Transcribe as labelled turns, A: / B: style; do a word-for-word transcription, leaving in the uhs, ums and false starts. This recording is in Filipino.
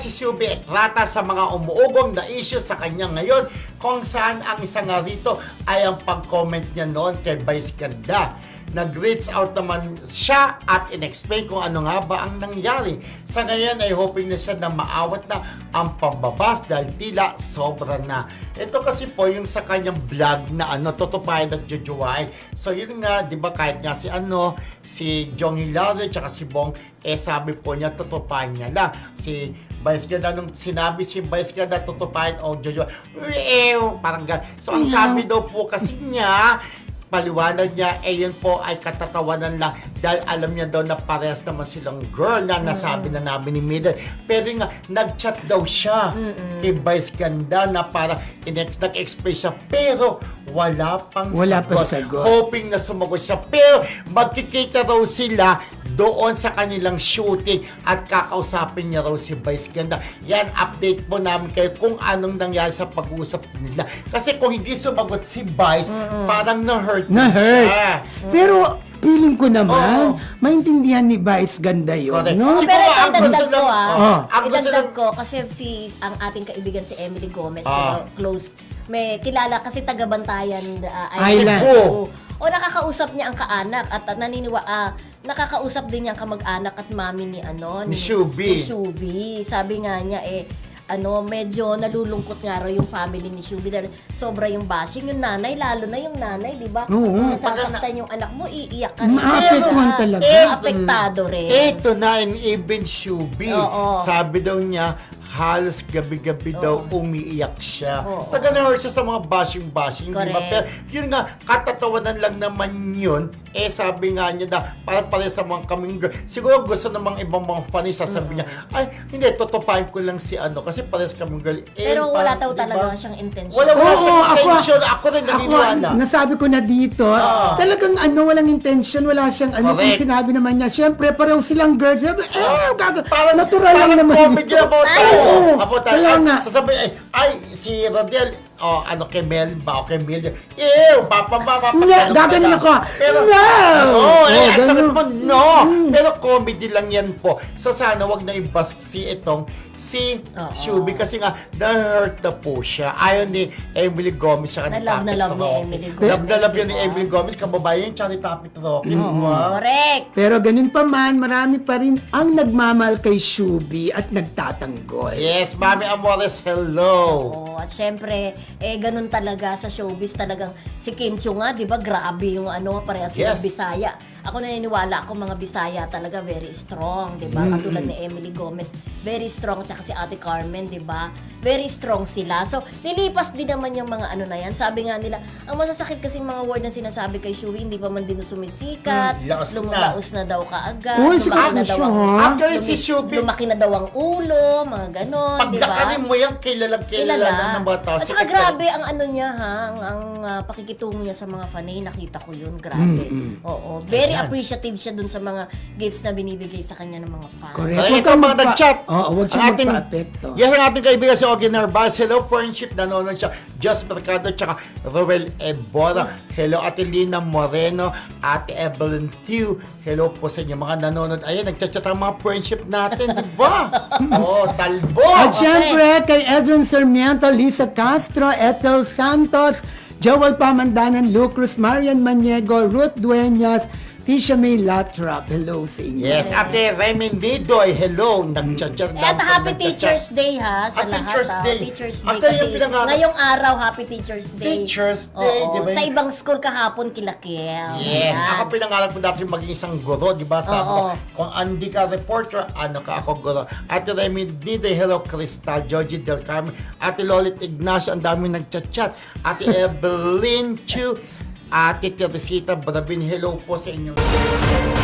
A: si Shubi Estrada sa mga umuugong na issue sa kanya ngayon, kung saan ang isa nga rito ay ang pag-comment niya noon kay Vice Ganda. Nag-reach out naman siya at in-explain kung ano nga ba ang nangyari. Sa ngayon ay hoping na siya na maawat na ang pambabas dahil tila sobra na. Ito kasi po yung sa kanyang vlog na ano, tutupayan at jujuway. So yun nga, di ba, kahit nga si ano, si Jong Hilario tsaka si Bong, eh sabi po niya, tutupayan niya lang. Si Vice Ganda, nung sinabi si Vice Ganda, tutupayan o jujuway, eh, parang gano'n. So ang sabi daw po kasi niya, paliwanag niya, eh yun po ay katatawanan lang dahil alam niya daw na parehas naman silang girl na nasabi na namin ni Mildred. Pero nga, nag-chat daw siya Mm-mm. kay Vice Ganda na para inex nag-express siya pero wala pang
B: wala
A: sagot.
B: pang sagot.
A: Hoping na sumagot siya. Pero magkikita raw sila doon sa kanilang shooting at kakausapin niya raw si Vice Ganda. Yan, update po namin kayo kung anong nangyari sa pag-uusap nila. Kasi kung hindi sumagot si Vice, Mm-mm. parang na-hurt
B: Na-hurt.
A: siya.
B: Pero feeling ko naman,
A: Oo.
B: maintindihan ni Vice Ganda yun,
A: Correct.
B: no?
A: Siguro,
C: Pero ito,
A: ang gusto
C: idagdag ko
A: lang-
C: ah.
B: Oh.
A: Ang gusto
C: Idagdag
A: lang-
C: ko kasi si ang ating kaibigan si Emily Gomez,
A: Ah.
C: diba, close, may kilala kasi taga-Bantayan uh,
B: Island.
C: Cebu. O nakakausap niya ang kaanak at uh, naniniwa ah, nakakausap din niya ang kamag-anak at mami ni ano
A: Ni Shubi.
C: Ni Shubi. Sabi nga niya eh ano, medyo nalulungkot nga raw yung family ni Shubi dahil sobra yung bashing. Yung nanay, lalo na yung nanay, di ba?
B: Oo.
C: Kung nasasaktan yung anak mo, iiyak ka rin.
B: Maapektuhan
C: Pero,
B: talaga.
C: Eh, apektado rin.
A: Ito na, in even Shubi.
C: Oo.
A: Sabi daw niya, halos gabi-gabi daw umiiyak siya.
C: Oo.
A: Taga na-hurt siya sa mga bashing-bashing, di ba?
C: Correct.
A: Pero yun nga, katatawanan lang naman yun. Eh, sabi nga niya na, para pare sa mga kaming girl. Siguro gusto namang ibang mga funny, sasabi niya, ay, hindi, tutupahin ko lang si ano, kasi pares kaming girl. Eh,
C: Pero wala
A: parang,
C: daw
A: di ba?
C: talaga siyang intention.
A: Wala, wala
B: Oo,
A: siyang
B: ako-
A: intention. Ako rin
B: Ako,
A: naniniwala.
B: nasabi ko na dito, talagang ano, walang intention, wala siyang ano, kung
A: Correct.
B: sinabi naman niya, syempre, pareho silang girls, sabi, eh, gaga,
A: Parang,
B: natural lang
A: parang
B: naman.
A: comedy about
C: Ay,
A: tayo.
B: oo.
A: About tayo.
B: Kaya
A: Ay,
B: nga.
A: sasabihin, ay, ay, si Rodel, oh, ano, kay Mel ba, o kay Mel, ew, papa, papa, papa,
B: Nga, gaganin ako.
A: Pero,
B: No!
A: Oo, eh,
B: Oh,
A: ang sakit
B: ganun.
A: mo, no. Pero comedy lang yan po. So, sana wag na i-bust si itong si
C: Oo.
A: Shubi kasi nga na-hurt na po siya. Ayaw ni Emily Gomez siya
C: Na love na love ni Emily Gomez,
A: Love na love yan ni
C: diba?
A: Emily Gomez. Kababayan siya ni Tapit Rocky. Diba?
C: Correct.
B: Pero ganun pa man, marami pa rin ang nagmamahal kay Shubi at nagtatanggol.
A: Yes, Mami Amores, hello.
C: Oo, at syempre, eh, ganun talaga sa showbiz talagang si Kim Chiu nga, di ba, grabe yung ano, parehas silang
A: Yes.
C: Bisaya. Ako naniniwala ako mga Bisaya talaga very strong, di ba? Katulad ni Emily Gomez, very strong, tsaka si Ate Carmen, di ba? Very strong sila. So, nilipas din naman yung mga ano na yan. Sabi nga nila, ang masasakit kasi mga word na sinasabi kay Shuwi, hindi pa man din sumisikat,
A: Hmm, laos na.
C: lumalaos na. daw kaagad,
B: Uy,
C: lumaki
B: siguro
C: na daw
B: siya,
C: ang
B: ha?
A: Actually, si
C: lumi-
A: Shubi,
C: lumaki na daw ang ulo, mga ganon, di ba?
A: pagdakarin mo yan, kilalang kilala na ng mga tao.
C: At saka grabe ang ano niya ha, ang, ang uh, pakikitungo niya sa mga fanay, nakita ko yun, grabe. Oo, very
A: Ayan.
C: appreciative siya dun sa mga gifts na binibigay sa kanya ng mga fans.
B: Correct.
A: Ay,
B: Huwag
A: ito
B: kang
A: mga
B: magpa-
A: nag-chat.
B: Oo, huwag siya
A: Ang ating-
B: magpa-apekto.
A: Yes, ang ating kaibigan si Ogie Narvaez. Hello, friendship. Nanonood siya. Just Mercado, tsaka Roel Ebora. Hello, Ate Lina Moreno. Ate Evelyn Tew. Hello po sa inyo mga nanonood. Ayan, nagchat-chat ang mga friendship natin, di ba? Oh, talbo.
B: At syempre, kay Edron Sarmiento, Lisa Castro, Ethel Santos, Joel Pamandanan, Lucruz, Marian Maniego, Ruth Dueñas, Tisha May Latrap. Hello sa inyo.
A: Yes, Ate Remy Nidoy. Hello. Nagchat-chat.
C: Eh, at Happy
A: nagchat-chat.
C: Teacher's Day ha, sa
A: At
C: lahat.
A: Teacher's
C: ha.
A: Day.
C: Teacher's
A: At
C: Day
A: kaya
C: kasi
A: yung pinangarap-
C: ngayong araw, Happy Teacher's Day.
A: Teacher's Day,
C: Oo.
A: di ba?
C: Sa ibang school kahapon, kilakil.
A: Yes,
C: Ayan.
A: ako pinangarap ko dati maging isang guro, di ba? Sabi ko,
C: Oo.
A: kung hindi ka reporter, ano ka ako guro. Ate Remy Nidoy, hello, Crystal, Georgie Del Carmen, Ate Lolit Ignacio, ang dami nagchat-chat. Ate Evelyn Chu, Ate Teresita Brabin, hello po sa inyong